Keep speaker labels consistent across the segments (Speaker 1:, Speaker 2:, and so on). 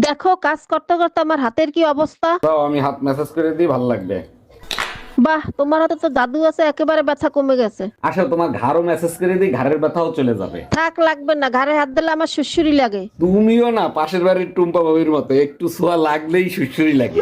Speaker 1: দেখো কাজ করতে করতে আমার হাতের কি অবস্থা।
Speaker 2: দাও আমি হাত ম্যাসাজ করে দিই, ভালো লাগবে।
Speaker 1: বাহ, তোমার হাতে তো জাদু আছে, একেবারে ব্যথা কমে গেছে।
Speaker 2: আসো তোমার ঘাড়ও ম্যাসাজ করে দিই, ঘাড়ের ব্যথাও চলে যাবে।
Speaker 1: থাক, লাগবে না, ঘাড়ে হাত দিলে আমার সুড়সুড়ি লাগে।
Speaker 2: তুমিও না পাশের বাড়ির টুম্পা বাবির মতো, একটু ছোঁয়া লাগলেই সুসুরি লাগে।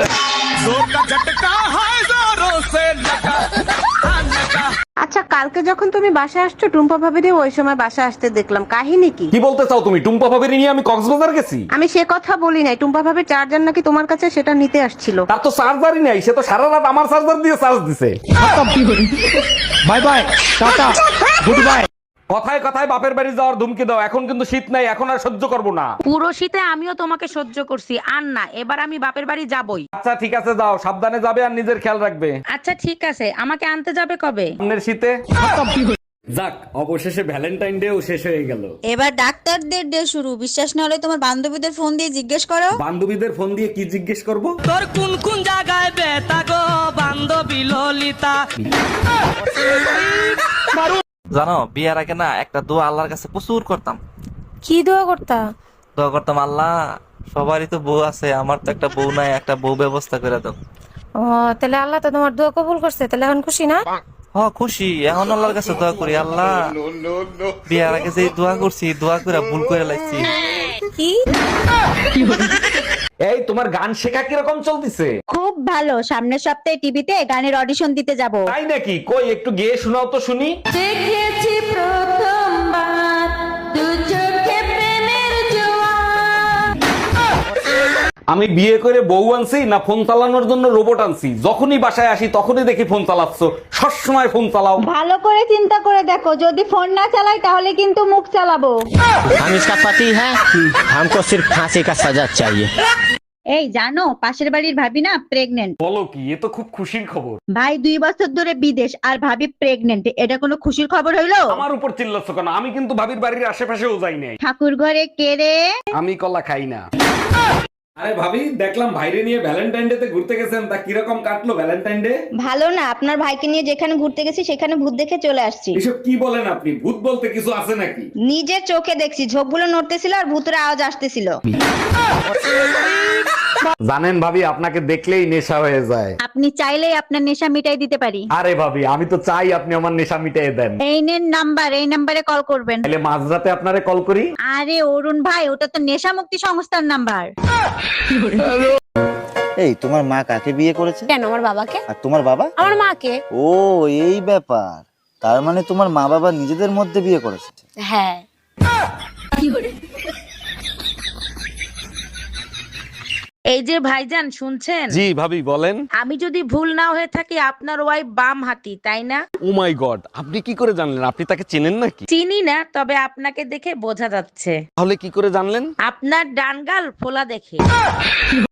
Speaker 3: আচ্ছা, কালকে যখন তুমি বাসায় আসছো টুম্পা ভাবিরে ওই সময় বাসায় আসতে দেখলাম, কাহিনী কি?
Speaker 2: কি বলতে চাও তুমি? টুম্পা বাবির নিয়ে আমি কক্সবাজার গেছি?
Speaker 3: আমি সে কথা বলি নাই, টুম্পা ভাবির চার্জার নাকি তোমার কাছে, সেটা নিতে আসছিল।
Speaker 2: তার তো চার্জারই নাই, সে তো সারা রাত আমার চার্জার দিয়ে চার্জ দিছে।
Speaker 4: Bye bye, tata, good bye.
Speaker 2: কথায় কথায় বাপের বাড়ি যাওয়ার ধুমকি দাও, এখন কিন্তু শীত নাই, এখন আর সহ্য করবো না।
Speaker 5: পুরো শীতে আমিও তোমাকে সহ্য করছি, আর না, এবার আমি বাপের বাড়ি যাবই।
Speaker 2: আচ্ছা ঠিক আছে, যাও, সাবধানে যাবে আর নিজের খেয়াল রাখবে।
Speaker 5: আচ্ছা ঠিক আছে, আমাকে আনতে যাবে কবে?
Speaker 2: সামনের শীতে। যাক, অবশেষে ভ্যালেন্টাইন ডেও শেষ হয়ে গেল।
Speaker 6: এবার ডাক্তারদের ডে শুরু। বিশ্বাস না হলে তোমার বান্ধবীদের ফোন দিয়ে জিজ্ঞেস করো।
Speaker 2: বান্ধবীদের ফোন দিয়ে কি জিজ্ঞেস করব?
Speaker 7: তোর কোন কোন জায়গায় ব্যথা গো বান্ধবী ললিতা।
Speaker 8: জানো, বিয়ের আগে না একটা দোয়া আল্লাহর কাছে প্রচুর করতাম।
Speaker 9: কি দোয়া করতা?
Speaker 8: দোয়া করতাম, আল্লাহ সবারই তো বউ আছে, আমার তো একটা বউ নাই, একটা বউ ব্যবস্থা করে দাও।
Speaker 9: ও, তাহলে আল্লাহ তো তোমার দোয়া কবুল করছে, তাহলে এখন খুশি না?
Speaker 8: খুশি। এখন আল্লাহর কাছে দোয়া করি, আল্লাহ বিয়ের আগে যে দোয়া করছি, দোয়া করে ভুল করে লাগছি।
Speaker 9: কি?
Speaker 2: এই তোমার গান শেখা কিরকম চলতেছে?
Speaker 6: খুব ভালো। সামনের সপ্তাহে টিভিতে গানের অডিশন দিতে যাব।
Speaker 2: তাই নাকি? কই একটু গেয়ে শোনাও তো শুনি।
Speaker 9: দেখেছি প্রথমবার দু চোখে প্রেমের জোয়ার।
Speaker 2: আমি বিয়ে করে বউ আনছি না ফোন চালানোর জন্য রোবট আনছি? যখনই বাসায় আসি তখনই দেখি ফোন চালাচ্ছ, সবসময় ফোন চালাও।
Speaker 6: ভালো করে চিন্তা করে দেখো, যদি ফোন না চালাই তাহলে কিন্তু মুখ চালাবো।
Speaker 4: हम इसका पति है, हमको सिर्फ फांसी का सजा चाहिए।
Speaker 6: এই জানো, পাশের বাড়ির ভাবি না প্রেগনেন্ট।
Speaker 2: বলো কি? এ তো খুব খুশির খবর।
Speaker 6: ভাই 2 বছর ধরে বিদেশ আর ভাবি প্রেগনেন্ট, এটা কোনো খুশির খবর হইলো?
Speaker 2: আমার উপর চিল্লাচ্ছ কেন? আমি কিন্তু ভাবির বাড়ির আশেপাশেও যাই নাই।
Speaker 6: ঠাকুর ঘরে কেড়ে।
Speaker 2: আমি কলা খাই না। আরে ভাবি, দেখলাম ভাইরে নিয়ে ভ্যালেন্টাইন ডে তে ঘুরতে গেছেন, তা কিরকম কাটলো ভ্যালেন্টাইন ডে?
Speaker 6: ভালো না, আপনার ভাইকে নিয়ে যেখানে ঘুরতে গেছি সেখানে ভূত দেখে চলে আসছি।
Speaker 2: এসব কি বলেন আপনি? ভূত বলতে কিছু আছে নাকি?
Speaker 6: নিজের চোখে দেখছি, ঝোপগুলো নড়তেছিল আর ভূতের আওয়াজ আসতেছিল।
Speaker 2: জানেন ভাবি, আপনাকে দেখলেই নেশা হয়ে যায়।
Speaker 6: আপনি চাইলেই আপনার নেশা মিটাই দিতে পারি।
Speaker 2: আরে ভাবি, আমি তো চাই আপনি আমার নেশা মিটিয়ে দেন।
Speaker 6: এই নেন নাম্বার, এই নাম্বারে কল করবেন।
Speaker 2: তাহলে মাঝরাতে আপনারে কল করি?
Speaker 6: আরে অরুণ ভাই, ওটা তো নেশা মুক্তি সংস্থার নাম্বার।
Speaker 10: এই তোমার মা কাকে বিয়ে করেছে?
Speaker 9: কেন, আমার বাবাকে।
Speaker 10: আর তোমার বাবা?
Speaker 9: আমার মাকে।
Speaker 10: ও, এই ব্যাপার। তার মানে তোমার মা বাবা নিজেদের মধ্যে বিয়ে করেছে?
Speaker 9: হ্যাঁ।
Speaker 5: এই যে ভাইজান, শুনছেন?
Speaker 2: জি ভাবি বলেন।
Speaker 5: আমি যদি ভুল না হয়ে থাকি, আপনার ওয়াইফ বাম হাতি, তাই না?
Speaker 2: ও মাই গড, আপনি কি করে জানলেন? আপনি তাকে চেনেন নাকি?
Speaker 5: চিনি না, তবে আপনাকে দেখে বোঝা যাচ্ছে।
Speaker 2: তাহলে কি করে জানলেন?
Speaker 5: আপনার ডান গাল ফোলা দেখে।